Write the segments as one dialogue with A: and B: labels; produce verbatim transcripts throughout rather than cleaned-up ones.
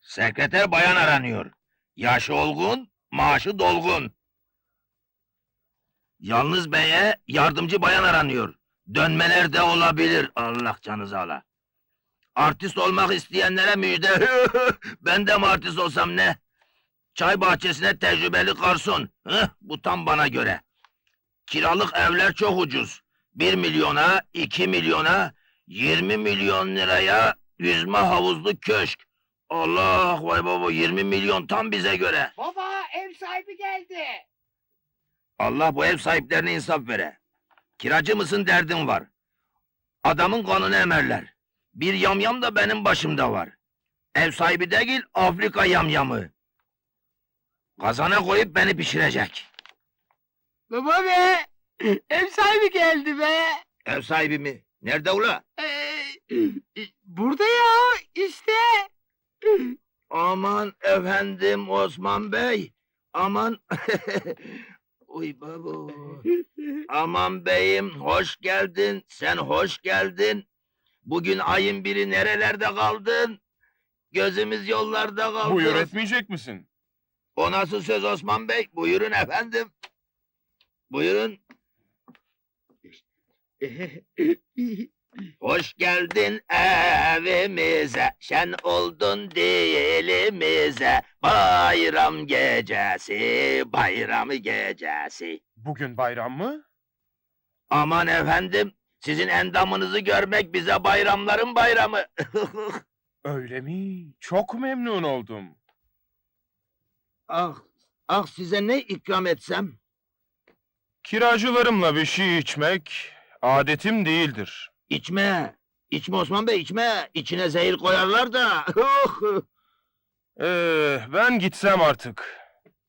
A: Sekreter bayan aranıyor. Yaşı olgun, maaşı dolgun. Yalnız beye yardımcı bayan aranıyor. Dönmeler de olabilir, Allah canınızı ala. Artist olmak isteyenlere müjde. Ben de mi artist olsam ne? Çay bahçesine tecrübeli garson. Hıh, bu tam bana göre. Kiralık evler çok ucuz. Bir milyona, iki milyona, yirmi milyon liraya yüzme havuzlu köşk. Allah, vay baba, yirmi milyon tam bize göre.
B: Baba, ev sahibi geldi.
A: Allah bu ev sahiplerine insaf vere. Kiracı mısın derdin var. Adamın kanını emerler. Bir yamyam da benim başımda var. Ev sahibi değil, Afrika yamyamı. Kazana koyup beni pişirecek.
B: Baba be, ev sahibi geldi be.
A: Ev sahibi mi? Nerede ula?
B: Ee, burada ya, işte.
A: Aman efendim Osman Bey. Aman. Uy baba. Aman beyim, hoş geldin. Sen hoş geldin. Bugün ayın biri nerelerde kaldın? Gözümüz yollarda kaldı.
C: Buyur etmeyecek misin?
A: O nasıl söz Osman Bey? Buyurun efendim. Buyurun. Hoş geldin evimize, şen oldun dilimize. Bayram gecesi, bayram gecesi.
C: Bugün bayram mı?
A: Aman efendim, sizin endamınızı görmek bize bayramların bayramı.
C: Öyle mi? Çok memnun oldum.
A: Ah, ah size ne ikram etsem?
C: Kiracılarımla bir şey içmek adetim değildir.
A: İçme, içme Osman Bey, içme. İçine zehir koyarlar da.
C: Ee, ben gitsem artık.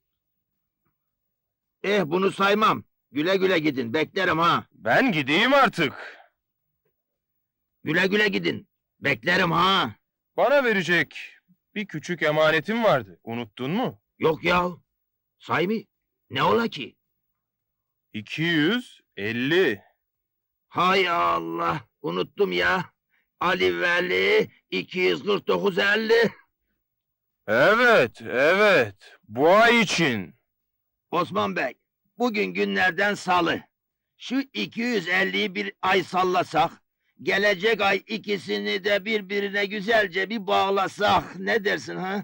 A: Eh, bunu saymam. Güle güle gidin, beklerim ha.
C: Ben gideyim artık.
A: Güle güle gidin, beklerim ha.
C: Bana verecek bir küçük emanetim vardı. Unuttun mu?
A: Yok ya, say mı? Ne ola ki?
C: iki yüz elli.
A: Hay Allah, unuttum ya. Ali Veli iki yüz kırk dokuz elli.
C: Evet, evet. Bu ay için.
A: Osman Bey, bugün günlerden salı. Şu iki yüz elliyi bir ay sallasak, gelecek ay ikisini de birbirine güzelce bir bağlasak, ne dersin ha?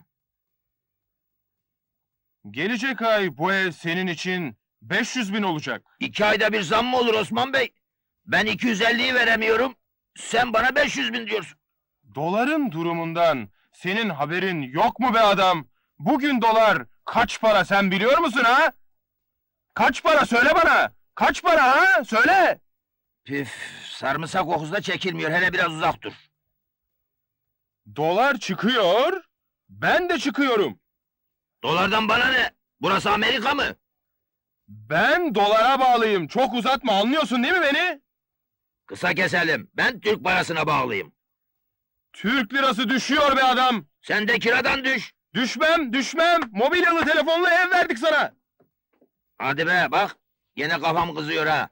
C: Gelecek ay bu ev senin için beş yüz bin olacak.
A: İki ayda bir zam mı olur Osman Bey? Ben iki yüz elliyi veremiyorum, sen bana beş yüz bin diyorsun.
C: Doların durumundan senin haberin yok mu be adam? Bugün dolar kaç para sen biliyor musun ha? Kaç para söyle bana? Kaç para ha? Söyle!
A: Püf, sarımsak kokusu da çekilmiyor, hele biraz uzak dur.
C: Dolar çıkıyor, ben de çıkıyorum.
A: Dolardan bana ne? Burası Amerika mı?
C: Ben dolara bağlıyım, çok uzatma, anlıyorsun değil mi beni?
A: Kısa keselim, ben Türk parasına bağlıyım.
C: Türk lirası düşüyor be adam.
A: Sen de kiradan düş.
C: Düşmem, düşmem. Mobilyalı telefonla ev verdik sana.
A: Hadi be, bak, yine kafam kızıyor ha.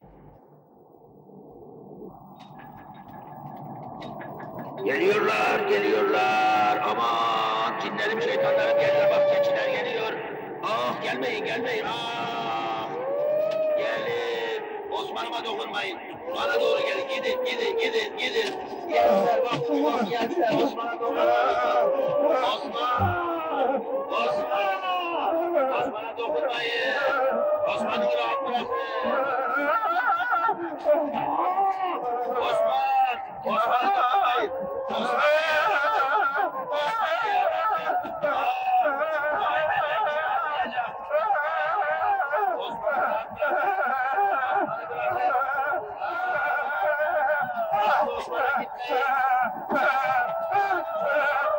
A: Geliyorlar, geliyorlar. Aman, cinlerim, şeytanlarım geliyor. Bak, keçiler geliyor. Ah, gelmeyin, gelmeyin. Ah, gelin. Osman'ıma dokunmayın. Bana doğru gelin, gidin, gidin, gidin, gidin. Gençler bak, bak, gençler, Osman'a dokunmayın. Osman! Osman! Osman'a dokunmayın. Osman'ı rahat bırakın. Osman! Osman'a dokunmayın. Osman! Osman'a gitmeyin.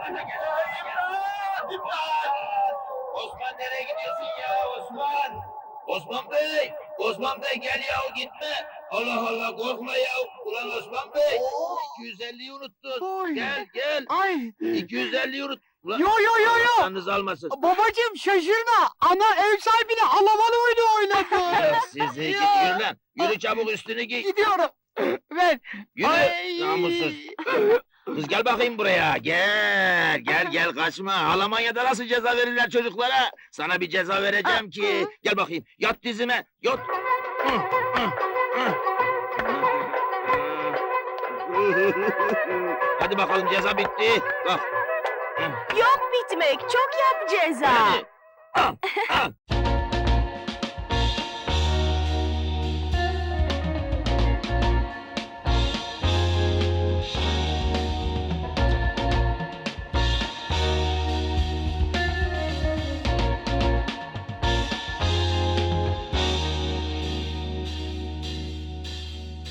A: Osman nereye gidiyorsun ya Osman? Osman Bey! Osman Bey gel yahu gitme! Allah Allah korkma ya! Ulan Osman Bey! iki yüz elliyi unuttun!
B: Oy.
A: Gel gel!
B: Ay.
A: iki yüz elliyi unut! Ulan
B: Yo yo yo yo.
A: canınız almasın!
B: Babacım şaşırma. Ana ev sahibine alamalı oyunu oynadı.
A: Ya sizi git
B: Ya.
A: yürü lan! Yürü çabuk üstünü giy!
B: Gidiyorum. Ver.
A: Yürü!
B: Ay.
A: Namussuz! Kız gel bakayım buraya, gel, gel, gel kaçma. Almanya'da nasıl ceza verirler çocuklara? Sana bir ceza vereceğim ki. Gel bakayım, yat dizime, yat. Hadi bakalım ceza bitti. Bak.
D: Yok bitmek, çok yap ceza.
A: Hadi. Al, al.